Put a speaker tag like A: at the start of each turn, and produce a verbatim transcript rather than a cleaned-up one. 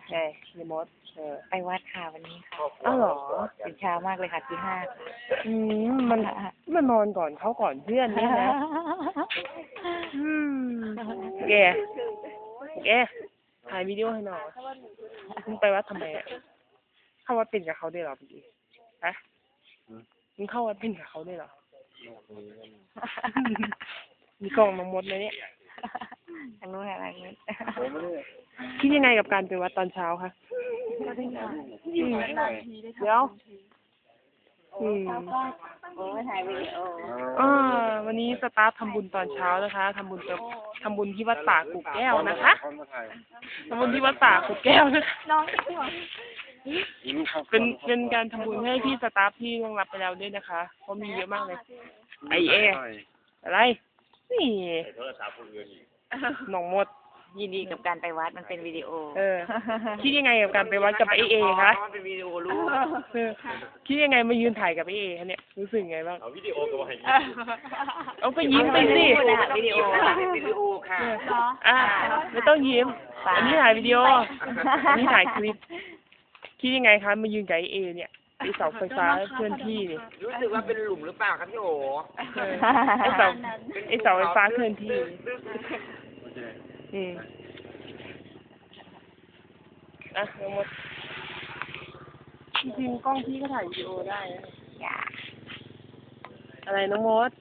A: ใช่รีโมทเออ
B: ไปวัดค่ะวันนี้ค่ะ
A: อ้าวเหรอ
B: ตื่นเช้ามากเลยค่ะที่ห้า
A: อืมมันมันนอนก่อนเขาก่อนเพื่อนเนี่ยนะ อืมแกแกถ่ายวิดีโอให้หน่อยมึงไปวัดทำไมอ่ะเข้าวัดเป็นกับเขาได้หรอพี่ฮะมึงเข้าวัดเป็นกับเขาได้หรอ มีกล่องน้องมดไหมเนี่ย
B: ทางนู้นอะไรนู้น
A: คิดยังไงกับการไปวัดตอนเช้าคะอืมเดี๋ยวอืม
B: โอ้ถ่ายวิดีโอ
A: อ่าวันนี้สตาฟทำบุญตอนเช้านะคะทำบุญกับทำบุญที่วัดป่ากุกแก้วนะคะทำบุญที่วัดป่ากุกแก้วนะคะ
B: น้องที่หัว
A: เป็นเป็นการทำบุญให้พี่สตาฟที่ล่วงลับไปแล้วด้วยนะคะเพราะมีเยอะมากเลยไอเออะไรนี่หนองมด
B: ยินดีกับการไปวัดมันเป็นวิดีโอ
A: เออ คิดยังไงกับการไปวัดกับไอเอคะ
C: เป็นวิดีโอรู้
A: เออคิดยังไงมายืนถ่ายกับไอเอคะเนี่ยรู้สึกไงบ้าง
C: เอาวิดีโอก็มาให้
A: เอาก็ยิ้มไปสิ
B: วิดีโอ
C: เป็นวิดีโอค่ะ
A: อ่ะไม่ต้องยิ้มอันนี้ถ่ายวิดีโออันนี้ถ่ายคลิปคิดยังไงคะมายืนกับไอเอเนี่ยไอเสาไฟฟ้าเคลื่อนที่นี่
C: รู้สึกว่าเป็นหลุมหรือเปล่าครับพี่โอ
A: เออไอเสาไอเสาไฟฟ้าเคลื่อนที่อืมอ่ะน้องมดจริงๆกล้องพี่ก็ถ่ายวิดีโอได้นะ
B: อย่า
A: อะไรน้องมด